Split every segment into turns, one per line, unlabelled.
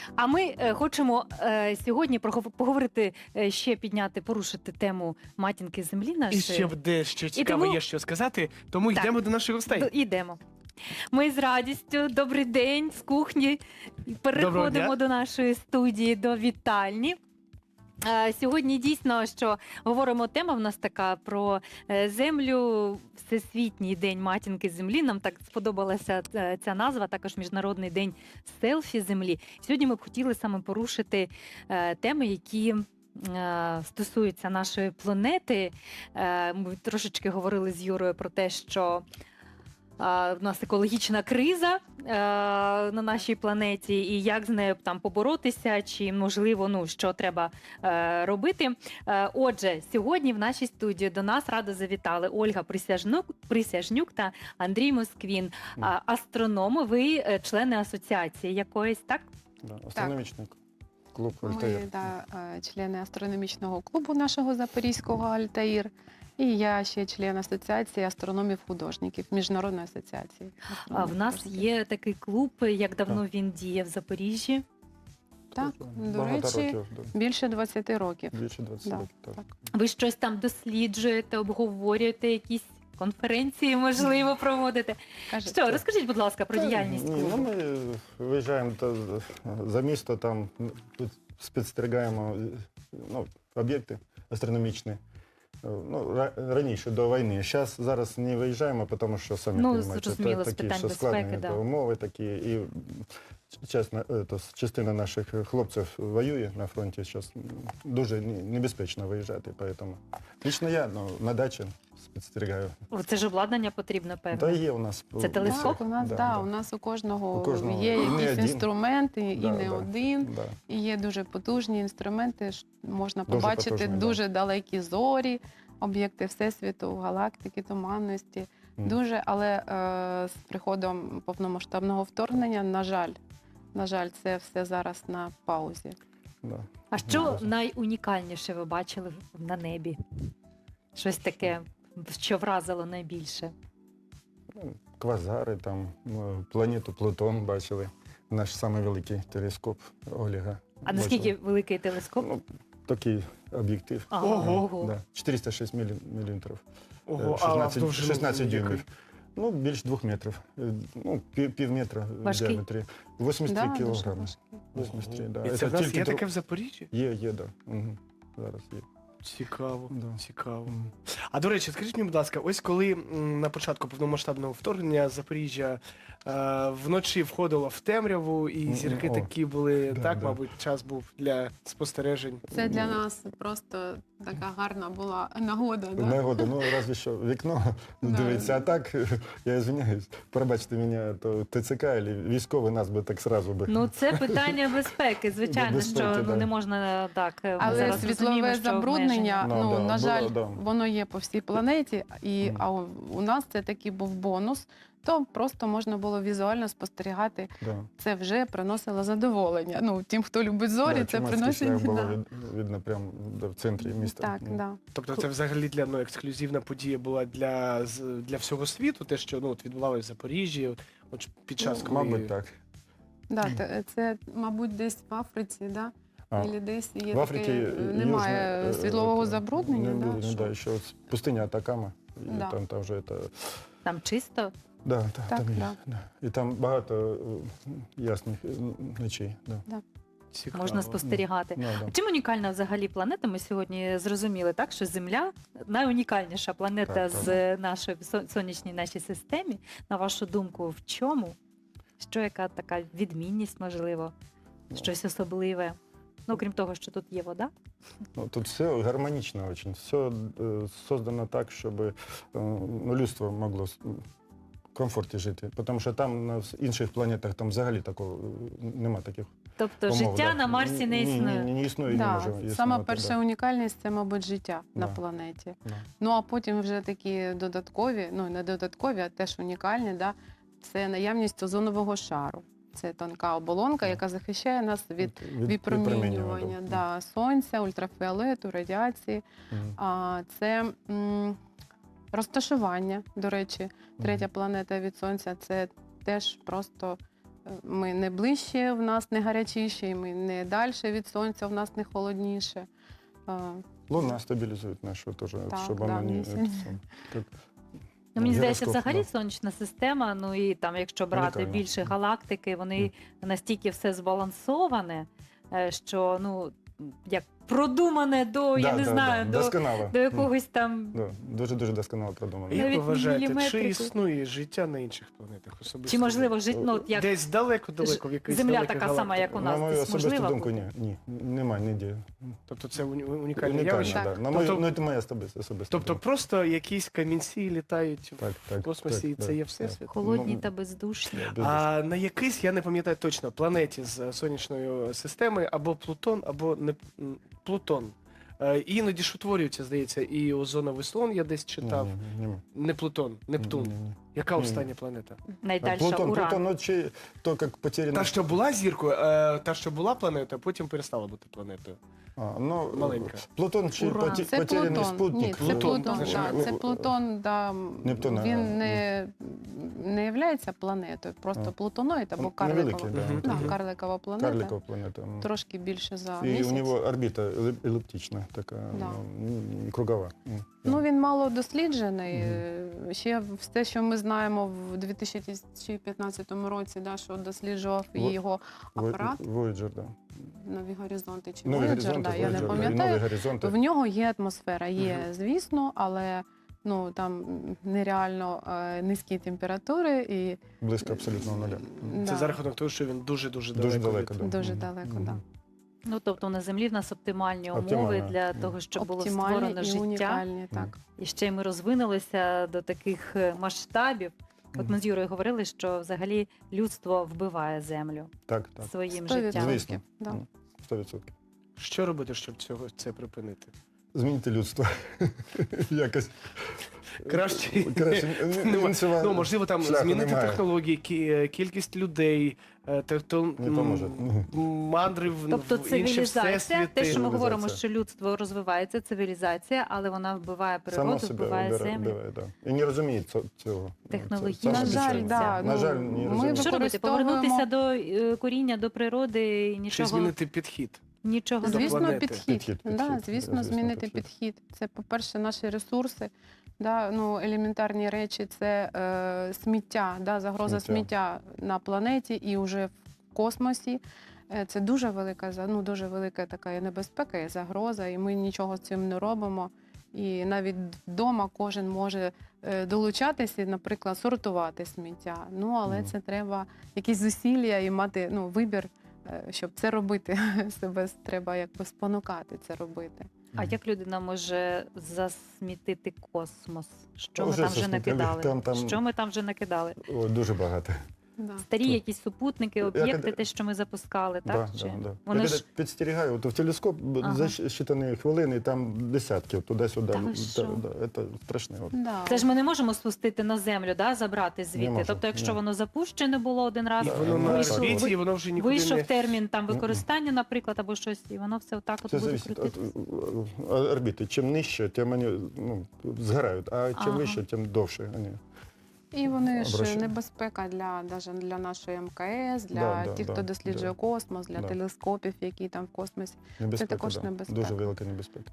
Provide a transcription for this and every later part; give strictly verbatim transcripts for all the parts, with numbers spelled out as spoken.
А ми е, хочемо е, сьогодні прогов- поговорити, е, ще підняти, порушити тему матінки землі
І
нашої.
ще буде що цікаво
тому-
є що сказати, тому
Так.
йдемо до наших гостей.
Д- Ідемо. Ми з радістю, добрий день, з кухні.
Доброго
Переходимо
дня.
до нашої студії, до вітальні. Е, Сьогодні дійсно, що говоримо, тема в нас така про е, землю, Всесвітній день матінки землі. Нам так сподобалася е, ця назва, також Міжнародний день селфі землі. Сьогодні ми б хотіли саме порушити е, теми, які е, стосуються нашої планети. Е, Ми трошечки говорили з Юрою про те, що а, в нас екологічна криза е, на нашій планеті, і як з нею там поборотися, чи можливо, ну що треба е, робити. Е, отже, сьогодні в нашій студії до нас радо завітали Ольга Присяжнюк, Присяжнюк та Андрій Москвін, а, астрономи. Ви е, члени асоціації якоїсь, так?
Да, астрономічний клуб
Ми
Альтаїр.
да, е, члени астрономічного клубу нашого Запорізького Альтаїр. І я ще член асоціації астрономів-художників, Міжнародної асоціації.
А в нас
астрономів-художників.
є такий клуб. Як давно він діє в Запоріжжі?
Так, до
Багато
речі,
років, да.
більше двадцяти років.
Більше двадцяти
Да,
років. Так.
так.
Ви щось там досліджуєте, обговорюєте, якісь конференції, можливо, проводите?
Кажуть,
Що, розкажіть, будь ласка, про
Та,
діяльність
ні, ну,
клубу.
ми виїжджаємо та, за місто, там тут спостерігаємо ну, об'єкти астрономічні. Ну, ра- раніше, до війни. Зараз, зараз не виїжджаємо, тому що самі
Ну,
розумієте,
зрозуміло,
та-
з
такі
питань
що
безпеки,
складні
да.
та умови такі. І чесно, е, то, частина наших хлопців воює на фронті. Зараз дуже не- небезпечно виїжджати. Тому лично я ну, на дачі спостерігаю.
О, Це ж обладнання потрібно, певно.
Та є у нас.
Це
у-
телескоп?
Так, у нас,
Да,
да,
да.
у нас у кожного,
У кожного
є
і не
якісь
один.
інструменти, і
Да,
не
да.
один.
Да.
І є дуже потужні інструменти, ш- можна
Дуже
побачити
потужні, да.
дуже далекі зорі, об'єкти Всесвіту, галактики, туманності.
Мгм.
Дуже, але е, з приходом повномасштабного вторгнення, на жаль, на жаль, це все зараз на паузі.
Да.
А що
Да.
найунікальніше ви бачили на небі? Щось таке, що вразило найбільше?
Ну, Квазари, там, ну, планету Плутон бачили. Наш самий великий телескоп Олега.
А наскільки
бачили.
великий телескоп?
Ну, такий об'єктив.
Ага,
Ого.
ого.
Да. чотириста шість мілі- міліметрів.
Ого,
Е,
а
шістнадцять,
довжину
шістнадцять
якої?
дюймів. Ну, більш двох метрів. Е, Ну, пів, пів метра в
Важкий?
діаметрі. вісімдесят три
Да, дуже
кілограми.
важкі.
вісімдесят три, да.
І це в нас
тільки
є
дру-
таке в Запоріжжі?
Є, є, да. Угу. Зараз є.
Цікаво,
Да.
цікаво.
Мгм.
А до речі, скажіть мені, будь ласка, ось коли м, на початку повномасштабного вторгнення Запоріжжя е, вночі входило в темряву, і
М,
зірки
о,
такі були,
да,
так,
да.
мабуть, час був для спостережень.
Це для нас просто така гарна була нагода. Да?
Нагода, ну разве що вікно
Да.
дивиться. А так, я извиняюсь, пробачте мене, то ТЦК або військовий нас би так сразу би.
Ну, це питання безпеки, звичайно,
Безпеки,
що ну,
да.
не можна так. ми
Але
зараз розуміємо,
світлове
що
забруднення,
обмеження.
ну,
Ну, да,
на жаль,
було, да.
воно є по всій планеті, і,
Мгм.
а у, у нас це такий був бонус, то просто можна було візуально спостерігати.
Да.
Це вже приносило задоволення. Ну, тим, хто любить зорі,
Да,
це
Чумацький
приносить.
шлях було
Да.
від- видно прямо да, в центрі міста.
Так,
Ну,
да.
Тобто це взагалі для ну, ексклюзивна подія була для, з- для всього світу, те, що ну, от відбувалося в Запоріжжі, от, от під час,
ну,
коли...
Мабуть, так.
Да, те- це, мабуть, десь в Африці, да?
А,
Ілі десь є
в Африці
таке,
е,
немає
южне, е,
світлового
е,
забруднення.
Не,
да,
було,
що-
да, ще от пустиня Атакама, і
Да.
там, там вже це...
Там чисто.
Да, так,
Так,
там є.
да.
Да. І там багато е, ясних е, ночей. Да.
Цікаво.
Можна спостерігати.
Ну, да.
Чим унікальна взагалі планета? Ми сьогодні зрозуміли, так, що Земля найунікальніша планета
Так,
з нашої со- сонячній нашій системі. На вашу думку, в чому? Що яка така відмінність, можливо,
Ну.
щось особливе? Ну, крім того, що тут є вода.
Ну, тут все гармонично очень. Все э, создано так, щоб э, ну, людство могло с- в комфорті жити. Тому що там на вс- інших планетах там взагалі такого е, нема таких
Тобто
умов.
життя
да.
на Марсі не
Ні,
існує.
Ні, ні, не існує, і не
Да,
може існувати.
сама перша
да.
унікальність це, мабуть, життя на
Да.
планеті.
Да.
Ну а потім вже такі додаткові, ну не додаткові, а теж унікальні, да, це наявність озонового шару. Це тонка оболонка,
Да.
яка захищає нас від
Від-
випромінювання да, сонця, ультрафіолету, радіації.
Мгм.
А це м, розташування, до речі, третя
Мгм.
планета від сонця це теж просто Ми не ближче, в нас не гарячіше, і ми не далі від сонця, в нас не холодніше. Е,
Луна стабилизует нашу тоже,
Так,
чтобы
да,
она не...
місяць.
это сам, как,
Ну, мені здається,
гіроскоп,
взагалі
да.
сонячна система, ну і там, якщо брати
Унікальна.
більше галактики, вони настільки все збалансоване, е, що ну як продумане до, я
Да,
не
да,
знаю,
да,
до,
досконало.
до якогось там.
Да, дуже-дуже досконало продумано.
Як ви
Навіть
вважаєте, чи
міліметрику.
існує життя на інших планетах особисто?
Чи можливо жити, ну от як
Десь далеко-далеко, в якійсь
Земля
далекій
така сама, як у
галактиці?
нас,
На мою
десь
особисту
можливо
думку,
бути?
ні, ні, немає ніде.
Тобто це уні- унікальне
Унікально,
явище?
Так.
да. На мою,
Тобто-
ну, це моя особиста, особиста
Тобто
думка.
просто якісь камінці літають
Так,
в
так,
космосі, і
так,
це є
так,
всесвіт?
холодні
Ну,
та бездушні?
да, без-
А на якийсь, я не пам'ятаю точно, планеті з е, сонячної системи або Плутон, або не м, Плутон. Е, Іноді ж утворюється, здається, і озоновий слон, я десь читав.
Ні, ні, ні.
Не Плутон, Нептун.
Ні, ні, ні.
Яка
Ні.
остання планета?
Найдальша
Плутон,
Уран.
Плутон, ну, чи, то, як потеряно...
Та, що була зіркою, е, та, що була планетою, а потім перестала бути планетою.
А, ну,
Маленька.
Плутон чи
Уран.
поте-
Це
потеряний
Плутон.
спутник.
Ні, це
Плутон,
Плутон.
це ж-
да, це Плутон, да,
Нептун, а,
він не, не є планетою, просто
А.
плутоноїд або
Он
карликова.
невеликий, да.
Мгм.
Да,
Мгм.
карликова планета.
Карликова планета. ну.
Трошки більше за
І
місяць.
у нього орбіта еліп- еліптична, така,
Да.
ну, м, кругова. М,
Ну,
да.
він мало досліджений.
Мгм.
Е, Ще все, що ми знаємо в дві тисячі п'ятнадцятому році, да, що досліджував і
Во-
його
Вой-
апарат
Voyager, да.
«Нові горизонти» чи
Нові
Voyager,
горизонти,
да, я не
Voyager, да, і
пам'ятаю.
нові горизонти.
В нього є атмосфера, є,
Мгм.
звісно, але ну там нереально е, низькі температури і
Близько абсолютного нуля. М.
Це
да,
за рахунок того, що він дуже-дуже далеко.
Дуже
від-
далеко, да.
дуже
Мгм.
далеко,
Мгм.
да.
Ну тобто на землі в нас оптимальні умови
Оптимально.
для
Мгм.
того, щоб було
Оптимальні
створено
і
життя.
унікальні, так.
І ще й ми розвинулися до таких е, масштабів. От ми з Юрою говорили, що взагалі людство вбиває землю
Так, так.
своїм
Сто
життям.
відсотків.
Звісно.
Да.
М, сто відсотків.
Що робити, щоб цього це припинити?
Змінити людство. Якось.
Краще.
Краще.
Нема-
іншого
Ну, можливо, там
шляху
змінити
немає.
технології, кі- кількість людей, е, те- то,
Не
м,
поможе.
м, мандри в,
Тобто
в інші
цивілізація,
всесвіти.
те, що ми говоримо,
Цивілізація.
що людство розвивається, цивілізація, але вона вбиває
Само
природу,
себе
вбиває
вбирає,
землю.
вбиває, да. І не розуміє цо- цього.
Технологічно.
Це
На
саме
жаль,
печально.
да,
На
ну,
жаль, не
ми
розуміє.
Що робити?
використовуємо-
Повернутися до е, коріння, до природи і
Чи
нічого,
змінити підхід?
нічого
До
не
Звісно,
планети.
підхід.
Підхід,
Да,
підхід.
звісно,
Звісно,
змінити
підхід.
підхід. Це, по-перше, наші ресурси. Да, ну, елементарні речі це е, сміття, да, загроза
Сміття.
сміття на планеті і вже в космосі. Е, Це дуже велика, за- ну, дуже велика така і небезпека, і загроза, і ми нічого з цим не робимо. І навіть вдома кожен може е, долучатися, і, наприклад, сортувати сміття. Ну, але
Мгм.
це треба якісь зусилля і мати ну, вибір, е, щоб це робити. Себе треба якби спонукати це робити.
А як людина може засмітити космос? Що ми
Вже
там вже
засмітили.
накидали?
Там- там-
Що ми там вже накидали?
О, дуже багато.
Да.
Старі
Так.
якісь супутники,
Я
об'єкти,
коли-
те, що ми запускали, так?
Да,
Чи?
да, да.
Вони
Я
ж
коли підстерігаю, то в телескоп
Ага.
за щитані хвилини, там десятки туди-сюди.
Та ви
Та-
що?
да, Це страшне. От.
Да.
це ж ми не можемо спустити на землю, да, забрати
Не
звідти.
можемо,
Тобто, якщо
ні.
воно запущене було один раз,
І
Да,
воно
ну,
на
вийшов,
орбіті,
ви-
і воно вже нікуди
вийшов
не...
термін там
Мгм.
використання, наприклад, або щось, і воно все отак от
Це
буде
залежить від
крутитися.
е, орбіти. Чим нижче, тим вони ну, згорають, а чим
Ага.
вище, тим довше вони.
І вони ж
Обращаю.
небезпека для, даже для нашої ем ка ес, для
Да, да,
тих,
да,
хто досліджує
да.
космос, для
Да.
телескопів, які там в космосі.
Небезпека,
також
да.
небезпека.
Дуже велика небезпека.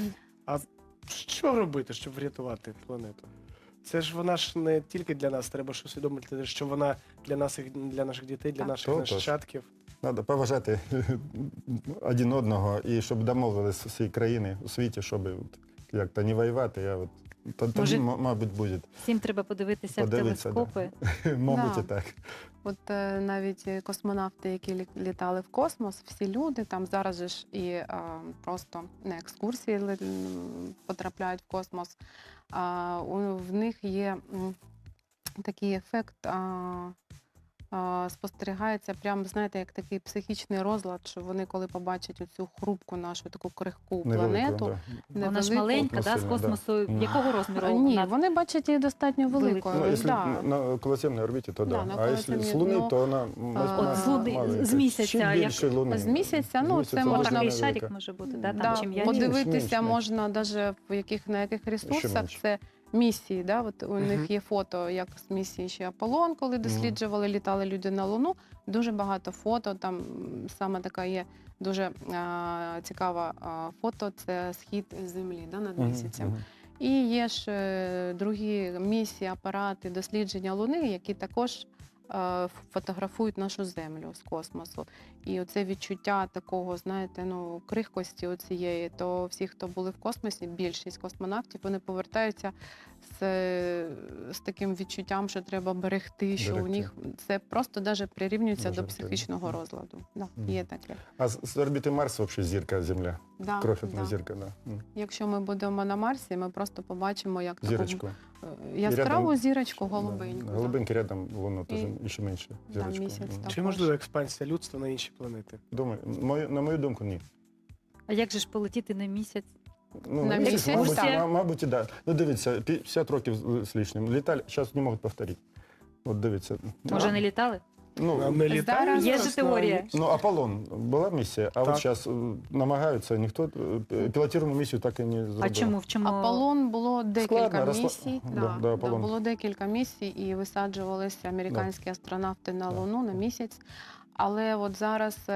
Що робити, щоб врятувати планету? Це ж вона ж не тільки для нас, треба ж усвідомити, що вона для нас, і для наших дітей, для
Так.
наших
То тож.
нащадків.
Треба поважати один одного і щоб домовились всі країни у світі, щоб от, як-то не воювати. Я от, то- тоді,
Може,
м- мабуть, буде.
Всім треба подивитися
Подивитися,
в
да.
телескопи.
Мабуть,
Да.
і так.
От е, навіть е, космонавти, які лі- літали в космос, всі люди там зараз же ж і е, просто на екскурсії ли- м, потрапляють в космос. А, у, в них є м, такий ефект. А, а, спостерігається прямо, знаєте, як такий психічний розлад, що вони, коли побачать оцю хрупку нашу таку крихку планету,
да.
Вона ж
невелику,
маленька,
Ну,
да, з
сильно, да.
космосу.
Мгм.
Якого розміру?
А, ні,
вона?
вони бачать її достатньо великою.
Великою.
Ну, если
да.
на околоземной орбите, то да.
Да, на
а если
околоземной,
с Луны,
ну,
то она
а,
От з Луни-
маленька.
з місяця,
Чим
як-
більше Луни.
З місяця, ну,
З
це
місяця
можна-
вона
Такий
велика.
шарик може бути, да, там
Да,
чим я
подив-
подивитися
менше, менше.
можна навіть в яких на яких ресурсах
менше.
це місії. Да? От у
Мгм.
них є фото, як з місії ще Аполлон, коли досліджували, літали люди на Луну. Дуже багато фото. Там м, саме така є дуже а, цікава а, фото. Це схід землі, да, над
Мгм,
місяцем.
мгм.
І є ж е, другі місії, апарати дослідження Луни, які також е, фотографують нашу землю з космосу. І оце відчуття такого, знаєте, ну, крихкості оцієї, то всі, хто були в космосі, більшість космонавтів, вони повертаються з, е, з таким відчуттям, що треба берегти, що у
Берегти.
них це просто навіть прирівнюється
Дуже
до психічного
прирівнює.
розладу. Да,
Мгм.
є таке.
А з, з орбіти Марса взагалі зірка Земля.
Да,
Крохотна
да.
зірка, да. М.
Якщо ми будемо на Марсі, ми просто побачимо, як таку
Зірочку.
е, яскраву
рядом-
зірочку
Да.
голубеньку. да.
Голубенький рядом Луна теж
І-
ще менше.
Да,
Зірочку.
місяць
М.
там.
Чи можлива експансія людства на інші планети?
Думаю, мою, на мою думку, ні.
А як же ж полетіти на місяць?
Ну,
На
місяць,
місяць,
мабуть,
так.
ма- мабуть, і да. Ну, дивіться, п'ятдесят років з- з лишнім. Літали, зараз не можуть повторити. От дивіться.
Може,
Ну,
не літали?
Ну,
А ми літаємо
Зараз
Є ж
зараз на
теорія.
місяць?
ну, Аполлон була місія, а
Так.
от зараз намагаються, ніхто е, пілотіруємо місію так і не зробив.
А чому? В чому?
Аполлон було декілька
Складно, розла-
місій.
Да,
Да,
да,
да,
Аполлон.
було декілька місій, і висаджувалися американські астронавти на
Да.
Луну на місяць. Але от зараз е,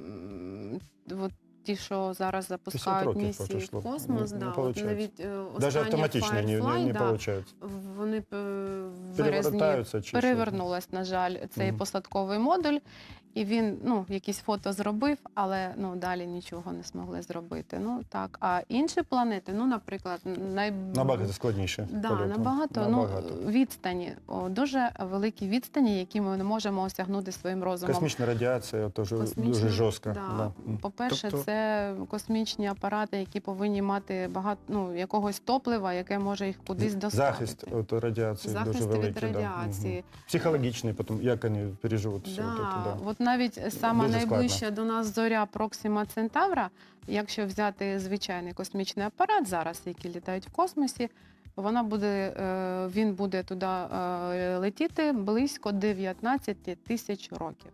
м, от ті, що зараз запускають
років
місії
пройшло.
в космос,
Не-
да,
не
от
получається.
навіть е,
Навіть
остання
автоматично не, не,
Firefly,
не
да,
виходить.
вони е, в березні
Перевертаються чи що?
перевернулась, на жаль, цей
Мгм.
посадковий модуль. І він ну, якісь фото зробив, але ну, далі нічого не змогли зробити. Ну, так. А інші планети, ну, наприклад, най...
Набагато складніше.
Да,
польоту.
набагато,
Набагато.
Ну, відстані, о, дуже великі відстані, які ми не можемо осягнути своїм розумом.
Космічна радіація теж
Космічна,
дуже жорстка.
Да.
Да. М.
По-перше,
Тобто-
це космічні апарати, які повинні мати багато ну, якогось топлива, яке може їх кудись доставити.
Захист від радіації
Захист
дуже великий.
від
да.
радіації.
Мгм. Психологічний, потім, як вони переживуть все.
Да.
от це, да.
От навіть сама
Дуже
найближча до нас зоря Проксима Центавра, якщо взяти звичайний космічний апарат зараз, які літають в космосі, вона буде, е, він буде туди е, летіти близько дев'ятнадцять тисяч років.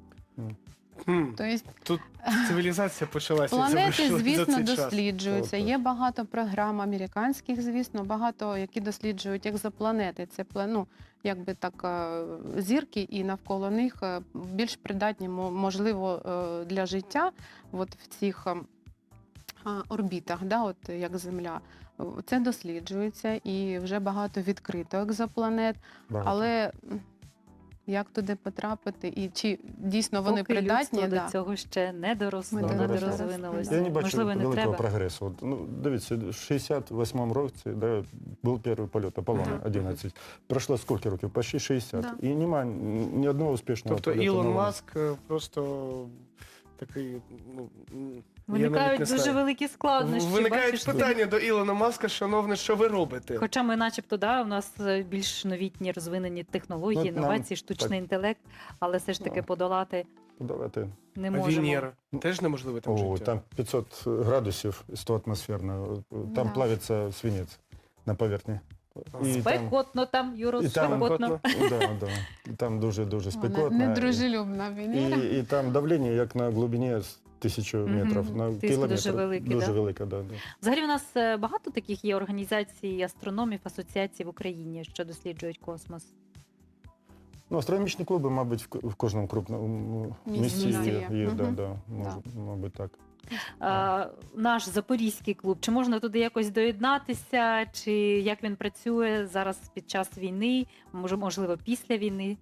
Хм,
Тобто
Тут цивілізація почалася. як
планети,
завершилась за
звісно,
цей час.
досліджуються.
Так,
Є багато програм американських, звісно, багато, які досліджують екзопланети. Це пла- ну, якби так е, зірки, і навколо них е, більш придатні, мо- можливо, е, для життя от в цих е, а, орбітах, да, от як Земля. Це досліджується і вже багато відкрито екзопланет,
Багато.
але м, як туди потрапити і чи дійсно вони
Поки
придатні?
людство
Да.
до цього ще не доросло,
Ми
не
не
доросли.
дорозвинулося.
Я не бачу
Можливо, не
великого
треба.
прогресу. От, ну, дивіться, в шістдесят восьмому році да, був перший польот Аполлона
Ага.
одинадцять. Пройшло скільки років? Почти шістдесят.
Да.
І немає ні одного успішного
Тобто
польоту
Ілон
на Луну.
Маск е, просто такий, ну, м, я
Виникають
навіть не
дуже
знаю.
великі складнощі.
Виникають
бачиш,
питання до Ілона Маска, шановне, що ви робите?
Хоча ми, начебто, да, у нас е, більш новітні розвинені технології,
Ну, нам
інновації, штучний
так.
інтелект, але все ж таки
Ну,
подолати
Давайте.
не
А
можемо.
Венера теж неможливе там
О,
життя?
там п'ятсот градусів сто атмосферно. Там
Да.
плавиться свинець на поверхні. І там,
Спекотно там, Юро,
і там-
спекотно.
да, да. І там дуже-дуже
Вона
спекотно.
недружелюбна
І,
Венера.
і, і там давлення, як на глибині з тисячу
Мгм.
метрів, на
Тиск
кілометр.
дуже великий,
Дуже
да?
велика, да, да.
Взагалі у нас е, багато таких є організацій, астрономів, асоціацій в Україні, що досліджують космос.
Ну, астрономічні клуби, мабуть, в к- в кожному крупному
Місті
місті
є.
є, є, да,
Мгм.
да, може, мабуть, так.
А, наш запорізький клуб, чи можна туди якось доєднатися, чи як він працює зараз під час війни, може, можливо, після війни?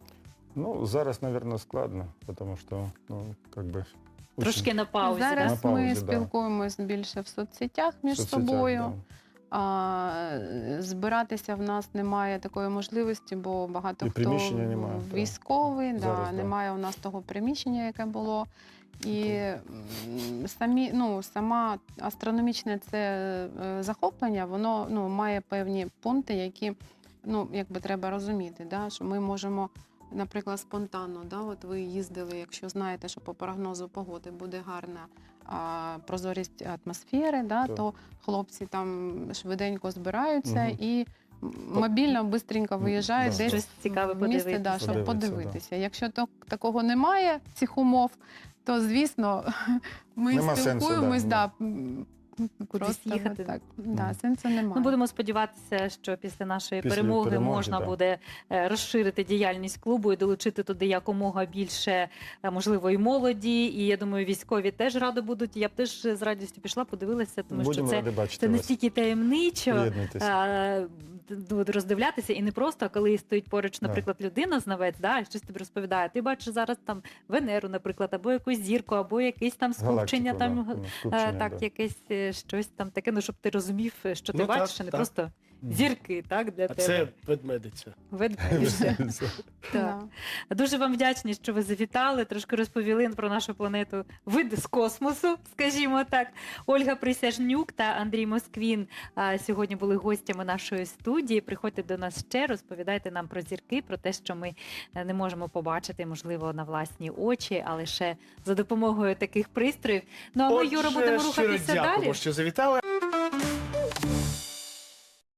Ну, зараз, мабуть, складно, тому що, ну, как би...
Трошки на паузі,
Зараз
На паузі,
ми
да.
спілкуємось більше в соцсетях між
соцсетях,
собою.
да.
А, збиратися в нас немає такої можливості, бо багато
І
хто
приміщення немає, так.
військовий, да,
Зараз, да.
немає у нас того приміщення, яке було. І м, самі, ну, сама астрономічне це е, захоплення, воно ну, має певні пункти, які ну, якби треба розуміти, да, що ми можемо. Наприклад, спонтанно, да, от ви їздили, якщо знаєте, що по прогнозу погоди буде гарна а, прозорість атмосфери, да,
Так.
то хлопці там швиденько збираються
Мгм.
і м- мобільно, швидко виїжджають
Да,
десь
Щось цікаве
в місце, да,
подивитися.
щоб
Подивитися,
подивитися. Якщо то, такого немає, цих умов, то, звісно, ми
Нема сенсу,
спілкуємось,
да,
да, м,
кудись
Просто
їхати.
от так. Да,
Мгм.
сенсу немає.
Ну, будемо сподіватися, що після нашої
Після
перемоги,
перемоги,
можна
да.
буде е, розширити діяльність клубу і долучити туди якомога більше, е, можливо, і молоді. І я думаю, військові теж раді будуть. Я б теж з радістю пішла, подивилася, тому
Будемо
що це,
раді бачити
це
вас.
настільки таємничо.
Приєднуйтесь.
е, д- роздивлятися, і не просто, а коли стоїть поруч,
Да.
наприклад, людина, знавець, да, і щось тобі розповідає. Ти бачиш зараз там Венеру, наприклад, або якусь зірку, або якесь там скупчення,
Галактику,
там
да, ну,
е,
скупчення,
так,
да.
якесь е, щось там таке, ну щоб ти розумів, що ти
Ну, так,
бачиш, а не
так.
просто
Мгм.
зірки, так, для
А
тебе.
це ведмедиця.
Ведмедиця. Так.
Да.
Дуже вам вдячні, що ви завітали, трошки розповіли про нашу планету вид з космосу, скажімо так. Ольга Присяжнюк та Андрій Москвін а, сьогодні були гостями нашої студії. Приходьте до нас ще, розповідайте нам про зірки, про те, що ми е, не можемо побачити, можливо, на власні очі, а лише за допомогою таких пристроїв. Ну а ми, Юра,
Отже,
будемо
щиро
рухатися
дякуємо,
далі.
що завітали.